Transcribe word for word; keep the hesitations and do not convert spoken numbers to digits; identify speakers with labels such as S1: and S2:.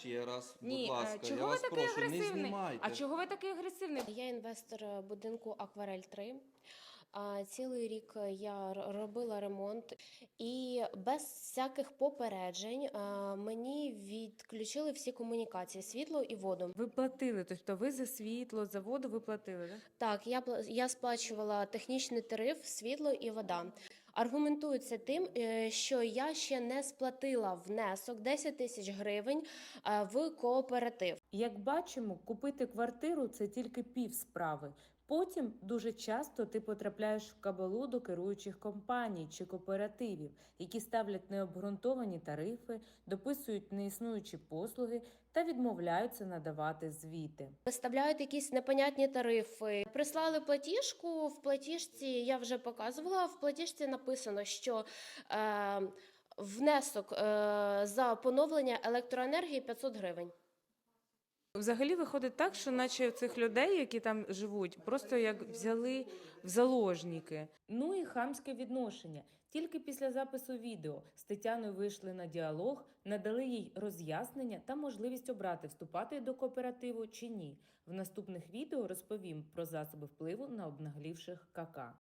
S1: ще раз, будь
S2: Ні, е,
S1: ласка, я
S2: чого ви
S1: вас
S2: такий
S1: прошу, не
S2: агресивний?
S1: знімайте.
S2: А чого ви такий агресивний?
S3: Я інвестор будинку Акварель три. А, Цілий рік я р- робила ремонт, і без всяких попереджень а, мені відключили всі комунікації, світло і воду.
S2: Ви платили, тобто ви за світло, за воду ви платили, так?
S3: Так, я пла- я сплачувала технічний тариф, світло і вода. Аргументується тим, е, що я ще не сплатила внесок десять тисяч гривень е, в кооператив.
S4: Як бачимо, купити квартиру – це тільки пів справи. Потім дуже часто ти потрапляєш в кабалу до керуючих компаній чи кооперативів, які ставлять необґрунтовані тарифи, дописують неіснуючі послуги та відмовляються надавати звіти.
S3: Виставляють якісь непонятні тарифи. Прислали платіжку, в платіжці, я вже показувала, в платіжці написано, що е, внесок е, за поновлення електроенергії п'ятсот гривень.
S2: Взагалі виходить так, що наче цих людей, які там живуть, просто як взяли в заложники.
S4: Ну і хамське відношення. Тільки після запису відео з Тетяною вийшли на діалог, надали їй роз'яснення та можливість обрати, вступати до кооперативу чи ні. В наступних відео розповім про засоби впливу на обнаглівших ка ка.